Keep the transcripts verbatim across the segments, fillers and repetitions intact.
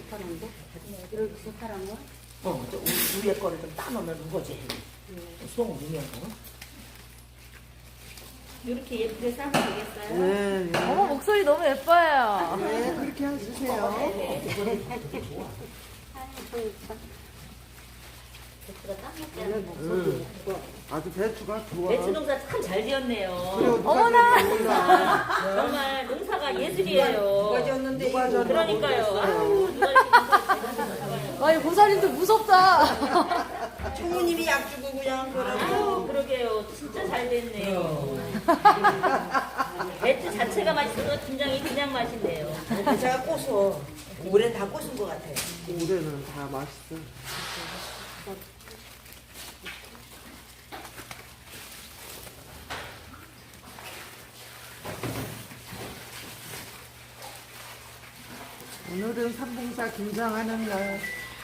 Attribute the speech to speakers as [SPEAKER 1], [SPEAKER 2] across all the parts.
[SPEAKER 1] 좋다는데? 이렇게 좋다는 거야?
[SPEAKER 2] 어, 저 우리 위에 거를 좀 따놓으면 무거지. 송 위에 거.
[SPEAKER 1] 이렇게 예쁘게 싸면 되겠어요?
[SPEAKER 3] 네, 네.
[SPEAKER 4] 어머, 목소리 너무 예뻐요.
[SPEAKER 3] 네, 그렇게 해주세요.
[SPEAKER 1] 배추가 딱 맞게 하는 목소리
[SPEAKER 3] 응. 아주 배추가 좋아.
[SPEAKER 2] 배추 농사 참 잘 지었네요.
[SPEAKER 3] 그래요, 누가
[SPEAKER 4] 어머나!
[SPEAKER 3] 지었는지 몰라.
[SPEAKER 2] 정말 농사가 예술이에요.
[SPEAKER 5] 누가 지었는데
[SPEAKER 3] 누가 지었나
[SPEAKER 2] 그러니까요.
[SPEAKER 3] 모르겠어요.
[SPEAKER 2] 아유, 누가 이렇게 농사를
[SPEAKER 4] 아니, 보살님도 무섭다.
[SPEAKER 5] 총무님이 약 주고 그냥 그러고
[SPEAKER 2] 아유, 그러게요. 진짜 잘 됐네요. 배추 자체가 맛있어서 김장이 그냥 맛있네요.
[SPEAKER 5] 제가 꼬서 올해 다 꼬신 것 같아요.
[SPEAKER 3] 올해는 다 맛있어. 오늘은 삼봉사 김장하는 날.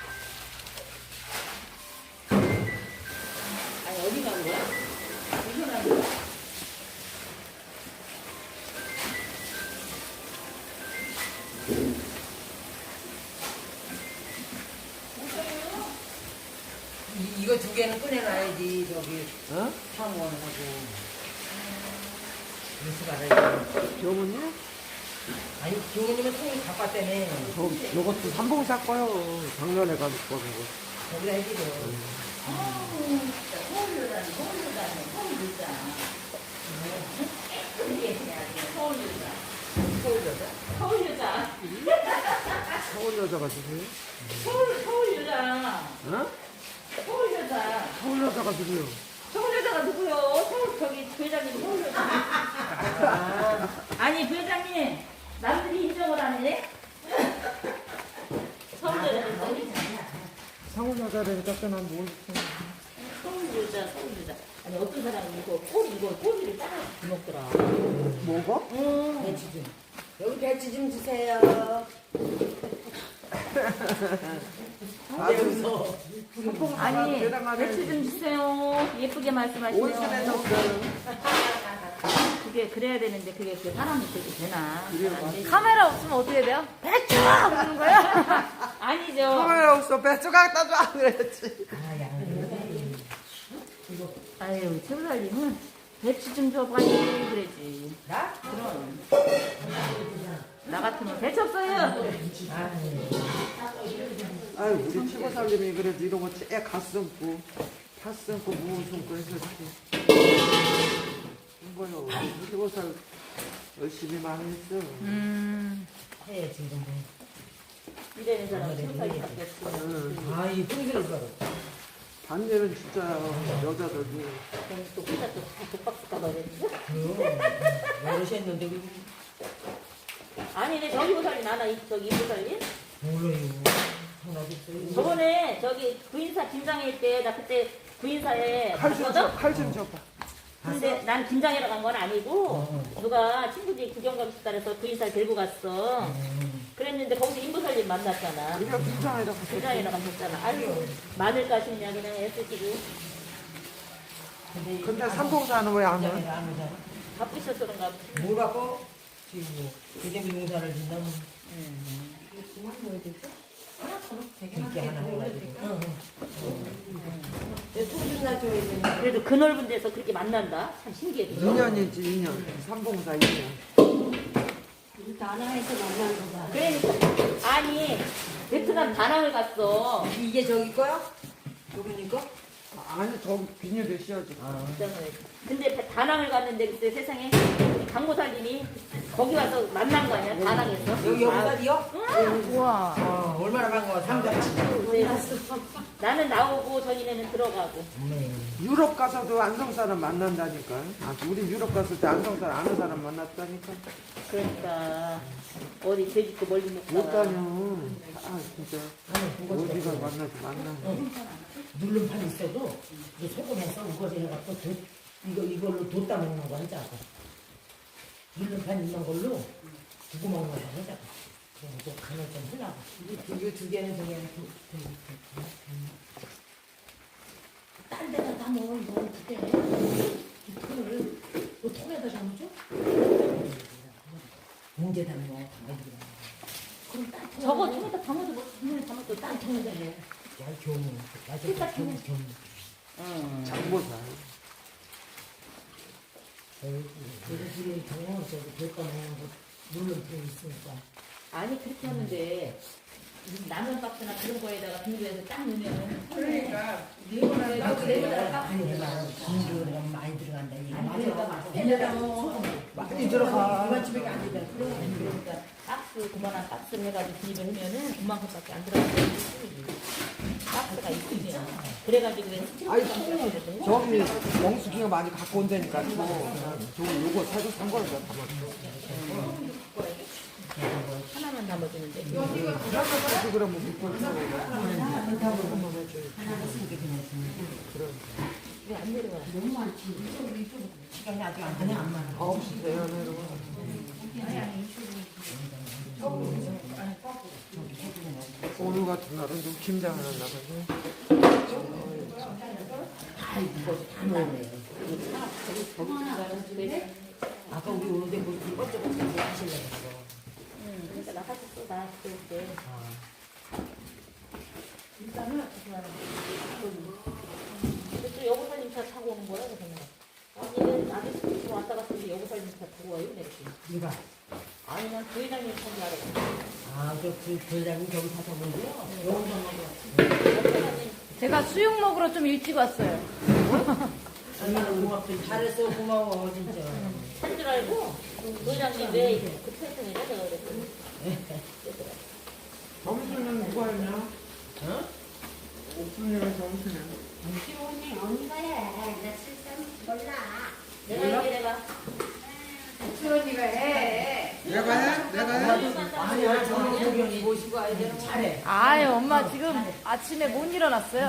[SPEAKER 2] 아니, 어디 간 거야? 어디 간 거야?
[SPEAKER 5] 이, 이거 두 개는 꺼내놔야지 저기
[SPEAKER 3] 어?
[SPEAKER 5] 상원하고 뉴스가를
[SPEAKER 3] 교무님?
[SPEAKER 5] 아니 교우님은 통이 바빴다네.
[SPEAKER 3] 저, 요것도 삼봉사 거요. 작년에 가지고 거고.
[SPEAKER 5] 거기다 해드려.
[SPEAKER 2] 서울여자는 서울여자는 서울여자. 예쁘게 해야지. 서울여자.
[SPEAKER 5] 서울여자?
[SPEAKER 2] 서울여자.
[SPEAKER 3] 서울 여자가 주세요.
[SPEAKER 2] 서울, 서울여자.
[SPEAKER 3] 어?
[SPEAKER 2] 서울여자.
[SPEAKER 3] 서울 여자가 주세요.
[SPEAKER 2] 서울여자가 누구요? 서울, 저기, 부회장님 서울여자. 아니, 부회장님. 남들이 인정을 안 해? 서울여자, 서울여자.
[SPEAKER 3] 서울 여자라니까 난 모르겠어.
[SPEAKER 2] 서울여자, 서울여자. 아니, 어떤 사람이 이거 꼬리, 이거 꼬리를 따라 먹더라.
[SPEAKER 3] 뭐가?
[SPEAKER 2] 응.
[SPEAKER 5] 배치 좀. 여기 배치 좀 주세요.
[SPEAKER 3] 아들
[SPEAKER 4] 아니,
[SPEAKER 3] 대단하네.
[SPEAKER 4] 배추 좀 주세요. 예쁘게 말씀하시네요.
[SPEAKER 3] 온순해 졌어요.
[SPEAKER 4] 그게 그래야 되는데 그게 그 사람이 되게 되나?
[SPEAKER 3] 그래요,
[SPEAKER 4] 안 되지.
[SPEAKER 3] 맞아요.
[SPEAKER 4] 카메라 없으면 어떻게 돼요? 배추! 그러는 거야?
[SPEAKER 2] 아니죠.
[SPEAKER 3] 카메라 없어. 배추 갖다 줘. 그랬지.
[SPEAKER 5] 아, 야.
[SPEAKER 4] 아유, 최부살님은 배추 좀 줘봐니 그러지.
[SPEAKER 5] 나?
[SPEAKER 4] 그럼. 나 같으면 배추 없어요.
[SPEAKER 3] 아유, 우리 최고살님이 그래도 이런 거 째 가슴고, 팥 심고, 무은 심고 해서 이렇게. 이거요. 우리 최고살 열심히 많이 했어.
[SPEAKER 4] 음.
[SPEAKER 5] 해야지 지금.
[SPEAKER 2] 이래는 사람은 생살이 바뀌었어.
[SPEAKER 3] 응.
[SPEAKER 5] 아, 이 풍기를 봐라.
[SPEAKER 3] 반대는 진짜 여자들이.
[SPEAKER 2] 그럼 또 혼자 또 독박수 까버렸지?
[SPEAKER 5] 여럿이 했는데 그
[SPEAKER 2] 아니, 내 저기 보살님, 나나 이- 저기 이 보살님?
[SPEAKER 5] 몰라요. 하나도
[SPEAKER 2] 저번에 저기 구인사 김장일 때, 나 그때 구인사에
[SPEAKER 3] 칼좀
[SPEAKER 2] 갔거든?
[SPEAKER 3] 줘, 칼좀 줘봐.
[SPEAKER 2] 근데 난 김장이라 간 건 아니고, 누가 친구들이 구경 가고 싶다 그래서 구인사를 데리고 갔어. 그랬는데 거기서 임보살님 만났잖아.
[SPEAKER 3] 우리가 김장이라 갔어.
[SPEAKER 2] 김장이라 가셨잖아. 아유, 마늘 까시느냐, 그냥 애쓰시고.
[SPEAKER 3] 근데 삼봉사는 왜 안 해?
[SPEAKER 5] 안 오잖아.
[SPEAKER 2] 바쁘셔서 그런가 보지.
[SPEAKER 5] 뭘 갖고 지금 뭐 대대비 농사를 짓는다면 이렇게 하나 해가지고. 통준나 줘야 되는.
[SPEAKER 2] 그래도 그 넓은 데서 그렇게 만난다? 참 신기해.
[SPEAKER 3] 이 년이지, 이 년. 삼봉사 이 년.
[SPEAKER 1] 다나에서 만난 거봐.
[SPEAKER 2] 그러니까 아니 베트남 다낭을 갔어.
[SPEAKER 5] 이게 저기 거야? 요거니 거?
[SPEAKER 3] 아니, 저 비닐에 씌워지.
[SPEAKER 2] 근데 다- 다낭을 갔는데 그때 세상에 강모살님이 거기 와서 만난 거 아니야? 다낭에서.
[SPEAKER 5] 여기 여기다리요?
[SPEAKER 4] 우와.
[SPEAKER 5] 어, 얼마나 반가워. 상자치.
[SPEAKER 2] 네. 나는 나오고 저희네는 들어가고.
[SPEAKER 3] 유럽 가서도 안성 사람 만난다니까. 아, 우리 유럽 갔을 때 안성 사람 아는 사람 만났다니까.
[SPEAKER 2] 그러니까 어디 돼지고 멀리 못
[SPEAKER 3] 못
[SPEAKER 2] 가.
[SPEAKER 3] 다녀. 아, 진짜. 어디가 만나지, 만나.
[SPEAKER 5] 누름판 있어도 이게 소금해서 우거지 해갖고 도, 이거 이걸로 뒀다 먹는 거 하자고. 누름판 있는 걸로 두고 먹는 거 하자고. 그럼 또 간을 좀 하려고. 이거 두 개는 두 개는 두, 두, 두, 두, 두. 딴 데다 다 먹어 이거는 두 개. 이 통을 너 통에다 담아줘? 봉지에 담아 담아주라. 그럼 딱
[SPEAKER 2] 저거 통에다 담아도 뭐
[SPEAKER 5] 땅 터는 데네. 야, 경우. 야, 저 경우, 경우.
[SPEAKER 4] 응.
[SPEAKER 3] 장보살.
[SPEAKER 5] 그래서 지금 경우 저기 될거 모양 물론병 있으니까.
[SPEAKER 2] 아니 그렇게 하는데 라면 박스나 그런 거에다가 비닐에서 딱 넣으면
[SPEAKER 4] 그러니까
[SPEAKER 5] 많이 해봐. 진주가 많이 들어간다. 이거.
[SPEAKER 2] 맞아 맞아.
[SPEAKER 3] 많이 들어가.
[SPEAKER 5] 이만 집에 안 되잖아.
[SPEAKER 2] 그러니까 박스 그만한 박스를 해가지고 비닐을 하면은 그만큼밖에 안 들어가는 박스가 있으면 그래가지고 왜
[SPEAKER 3] 아이
[SPEAKER 2] 스티로폼
[SPEAKER 3] 통 저기 영숙이가 많이 갖고 온다니까 저 저 요거 사줘 산 거를 다 담아.
[SPEAKER 2] 하나만 담아주는데
[SPEAKER 3] 그 그럼 뭐 밑벌
[SPEAKER 2] 왜 안 내려와?
[SPEAKER 5] 시간이 아직 안 되네, 안 많아.
[SPEAKER 3] 아홉 시 돼야 내려가. 오늘 같은 날은 좀 김장을 한다고.
[SPEAKER 5] 다 이거 다 넣어내. 아까 우리 오는데 뭐 이것저것 뭐 하시려고.
[SPEAKER 2] 응, 그러니까 나 사실 또 나 그때 일단은 또 여고살림차 타고 오는 거야 그래서 아니 아들 스쿠터 왔다 갔을 때 여고살림차 타고 와요 내가
[SPEAKER 5] 이봐.
[SPEAKER 2] 아니 난 부회장님 타고 알았어.
[SPEAKER 5] 아, 저, 그, 교장님 저기 사서 본데요? 영상만
[SPEAKER 2] 여고살림
[SPEAKER 6] 제가 수육 먹으러 좀 일찍 왔어요.
[SPEAKER 5] 아니, 고맙다. 잘했어, 고마워, 진짜.
[SPEAKER 2] 한줄 알고 부회장님 왜 그렇게 했더니 내가 그랬더니
[SPEAKER 3] 점수는 누가 했냐?
[SPEAKER 5] 어?
[SPEAKER 3] 옥순이랑 점수는.
[SPEAKER 1] 언니 언니가 해. 나 실상 몰라.
[SPEAKER 2] 내가 얘기해 내가
[SPEAKER 4] 수원이가 해.
[SPEAKER 3] 내가 해? 내가 해?
[SPEAKER 5] 아니야, 저는 교경이 모시고 와야 되는 거 잘해.
[SPEAKER 6] 아유, 엄마 지금 아침에 못 일어났어요.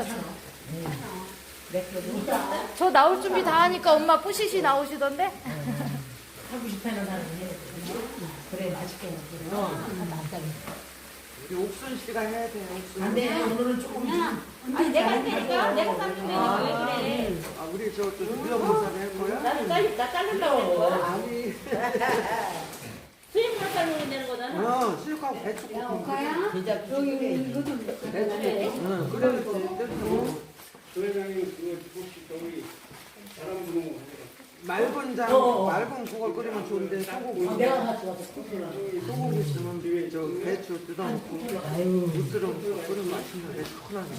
[SPEAKER 6] 저 나올 준비 다 하니까 엄마 뿌시시 나오시던데?
[SPEAKER 5] 하고 싶다는 사람이 해. 그래, 맛있게 먹고. 어,
[SPEAKER 3] 우리 옥순 씨가 해야 돼. 옥순.
[SPEAKER 5] 안 돼, 오늘은 조금.
[SPEAKER 2] 아니 내가 할 테니까 내가 깎는데 왜 그래
[SPEAKER 3] 아 우리 저저 유영사를 할 거야?
[SPEAKER 2] 나는 잘리 나 자른다고 할 거야
[SPEAKER 3] 아니.
[SPEAKER 2] 수입만 자르면 되는 거잖아
[SPEAKER 3] 어 수육하고 배추 볶음.
[SPEAKER 5] 진짜 여기 이거 좀.
[SPEAKER 3] 배추 볶음. 응 그래.
[SPEAKER 7] 소회장님 그거 혹시 저기 사람 부르는 거
[SPEAKER 3] 맑은 장
[SPEAKER 5] 어, 어.
[SPEAKER 3] 맑은 국을 끓이면 좋은데 소고기
[SPEAKER 5] 내가 가져와서.
[SPEAKER 3] 소고기 있으면 저 배추 뜯어놓고
[SPEAKER 5] 아유.
[SPEAKER 3] 무스름 끓이면 맛있는데 시원하게.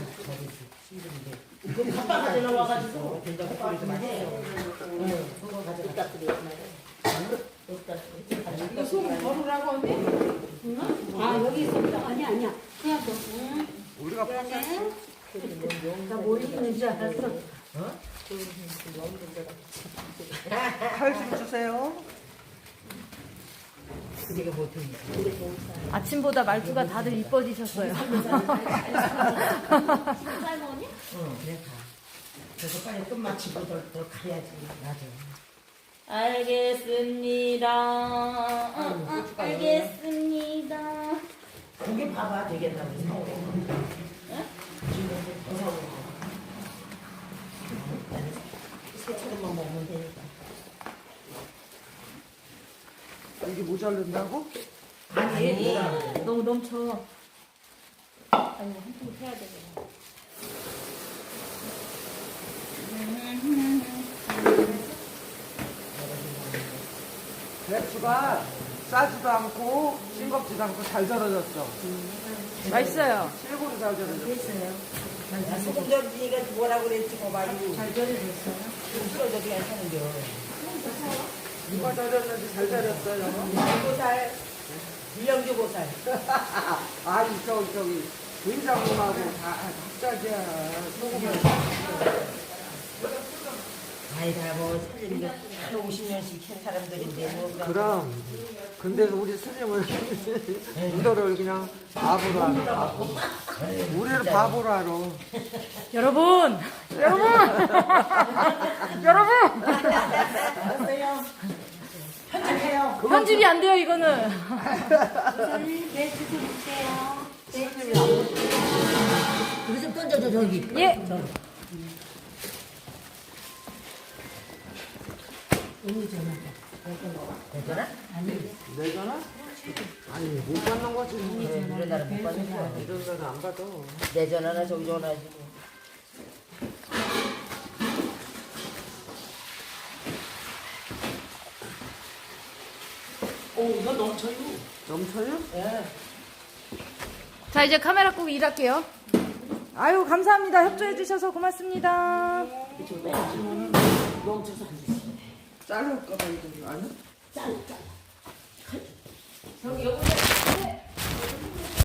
[SPEAKER 5] 그 컵밥 가지러 와가지고 된장국도 맛있어요. 응, 그거 가져가.
[SPEAKER 4] 이거 소금 버르라고 언니?
[SPEAKER 1] 아 여기 있습니다. 아니 아니야. 그냥 너. 응.
[SPEAKER 3] 우리가
[SPEAKER 1] 그러네.
[SPEAKER 5] 나뭐 입는 줄 알았어. 어?
[SPEAKER 3] 칼 좀 주세요.
[SPEAKER 5] 그게 못했네.
[SPEAKER 6] 아침보다 말투가 다들 이뻐지셨어요.
[SPEAKER 2] 쌀 먹었니?
[SPEAKER 5] 응, 그래 가. 그래서 빨리 끝마치고 더, 더 가야지. 맞아.
[SPEAKER 2] 알겠습니다 어, 어, 알겠습니다
[SPEAKER 5] 고기 봐봐 되겠다고 사오고. 응? 지금 더 사오고. 새처럼만 먹으면 되니까.
[SPEAKER 3] 이게 모자른다고?
[SPEAKER 5] 아니,
[SPEAKER 2] 너무 넘쳐 아니 한통 해야 되잖아
[SPEAKER 3] 배추가 싸지도 않고 싱겁지도 않고 잘 절여졌어.
[SPEAKER 6] 맛있어요.
[SPEAKER 3] 실고로 잘 절여졌어.
[SPEAKER 5] 소금 절이니까 뭐라 그랬지, 뭐 말이. 잘 절여졌어요? 좀 쓸어져 그냥 사는 겨.
[SPEAKER 3] 누가 절였는지 잘 절였어요.
[SPEAKER 5] 보살, 일령주 보살.
[SPEAKER 3] 아니 저기 저기 된장하고 다 합작이야. 소금을.
[SPEAKER 5] 아이다, 뭐, 살림도 한 오십 년씩 한 사람들인데, 뭐. 그런
[SPEAKER 3] 그럼 근데 우리 스님은 이거를 그냥 바보로 하는 바보. 우리를 바보로 알아.
[SPEAKER 6] 여러분! 여러분! 여러분!
[SPEAKER 5] 알았어요. 편집해요.
[SPEAKER 6] 편집이 안 돼요, 이거는.
[SPEAKER 1] 우선은 배추 좀 주세요.
[SPEAKER 3] 스님이 안 먹.
[SPEAKER 5] 그거 좀 던져줘, 저기.
[SPEAKER 6] 예.
[SPEAKER 5] 언니 전화. 괜찮아? 아니.
[SPEAKER 3] 내잖아? 아니 못 받는 거지.
[SPEAKER 5] 네, 이런 날은 못 받는 거야.
[SPEAKER 3] 이런 거는 안 받아.
[SPEAKER 5] 내 전화나 저기 전화하시고. 오, 이거 넘쳐요.
[SPEAKER 3] 넘쳐요?
[SPEAKER 5] 예.
[SPEAKER 6] 자, 이제 카메라 끄고 일할게요. 아유, 감사합니다. 협조해주셔서 고맙습니다.
[SPEAKER 5] 넘쳐서 안 돼.
[SPEAKER 3] 자를까 봐 이거 아니?
[SPEAKER 5] 잘라, 잘라. 저기 여기